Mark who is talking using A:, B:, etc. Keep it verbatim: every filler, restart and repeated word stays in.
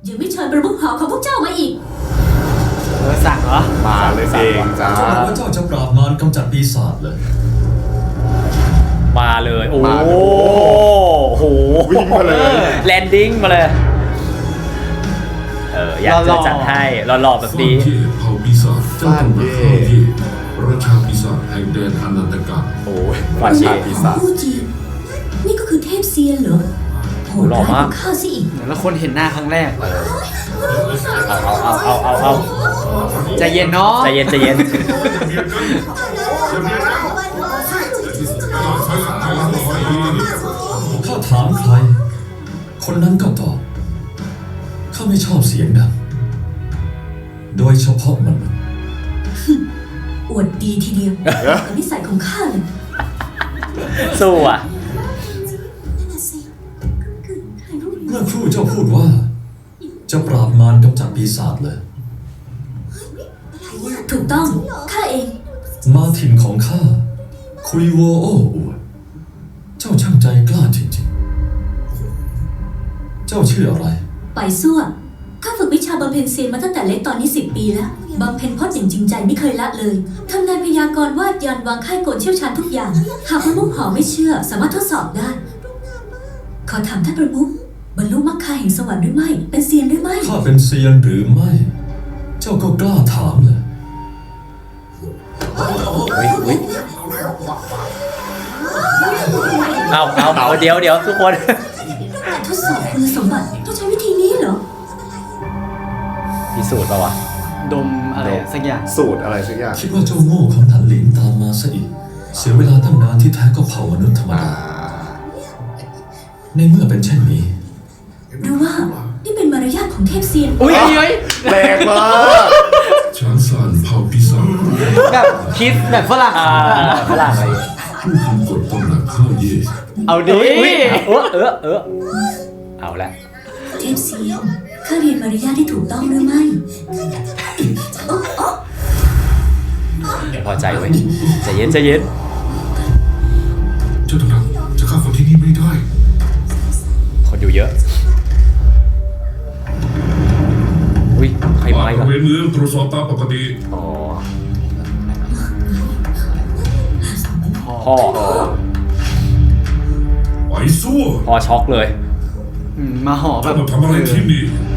A: ยังไม่เชิญประมุขหอของพวกเจ้ามาอีก
B: เออสั่งเหรอ
C: มาเลยเองจ้า
D: เจ้าบอกว่าเจ้าจะปราบมารกำจัดปีศาจเลย
B: มาเลยโอ้โห
C: วิ่งมาเลย
B: แลนดิ้งมาเลยเอออยากจะจัดให้หล่อๆแบบนี้
E: เผ่าปีศาจเจ้าต้องมาเข้าที่ราชาปีศาจแห่งแดนอนันตกาล
C: โอ้ยราชาปีศาจ
A: ผู้จีนนี่ก็คือเทพเซียนเหรอโหดร้ายกว่าข้าซะอีก
B: แล้วคนเห็นหน้าครั้งแรกเอาเอาเอาเอาเอาใจเย็นเนาะใจเย็นใจเย็น
D: ข้าถามใครคนนั้นก็ตอบข้าไม่ชอบเสียงดังโดยเฉพาะมัน
A: อวดดีทีเดียวกับนิสัยของข้าเลย
B: สู้อ่ะ
D: เมื่อครู่เจ้าพูดว่าจะปราบมารกำจัดปีศาจเลย
A: ถูกต้องข้าเอง
D: มาถิ่นของข้าคุยโวโอ้อวดเจ้าช่างใจกล้าจริงๆเจ้าชื่ออะไร
A: ไปซั่วข้าฝึกวิชาบำเพ็ญเซียนมาตั้งแต่เล็กตอนนี้สิบปีแล้วบำเพ็ญพจน์อย่างจริงใจไม่เคยละเลยทำนายพยากรณ์วาดยันวางค่ายโกนเชี่ยวชาญทุกอย่างหากประมุขหอไม่เชื่อสามารถทดสอบได้ขอถามท่านประมุขบรรลุมรรคาแห่งสวรรค์หรือไม่เป็นเซียนหรือไม่
D: ข้าเป็นเซียนหรือไม่เจ้าก็กล้าถามเลย
B: เอาเอาเอาเดี๋ยวเดี๋ยวทุกคน
A: ทดสอบคุณสมบัติต้องใช้วิธีนี้เหรอ
B: พิสูจน์ป่าวะดมอะไรสักอย่าง
C: สูตรอะไรสักอย่าง
D: คิดว่าเจ้าโง่ของถันหลินตามมาซะอีกเสียเวลาตั้งนานที่แท้ก็เผ่ามนุษย์ธรรมดาในเมื่อเป็นเช่นนี้
A: หรือว่านี่เป็นมารยาทของเทพเซียน
B: อุ้ยอุ้ย
C: แรงมาก
E: ช้างซานเผ่าปีศาจ
B: แบบคิดแบบฝรั่งฝรั่งอะไร
E: ผู้คุมกฎตำหนักข้าเย่
B: เอาดิเออเออเออเอาละ
A: เทพเซียนข้าเรียนมารยาทที่ถูกต้องหรือไม่
B: พอใจไว้ใจเย็นใจเย็น
E: เจ้าตำหนักจะเข้าคนที่นี่ไม่ได้
B: คนอยู่เยอะอุ้ยใครมาอีกอ่ะ
E: เวรเมืองตรวจสอบตามปกติ
B: อ๋อพ่อ
E: ไปสู้
B: พ่อช็อกเลย
E: มาห่อแบบทำอะไรที่นี่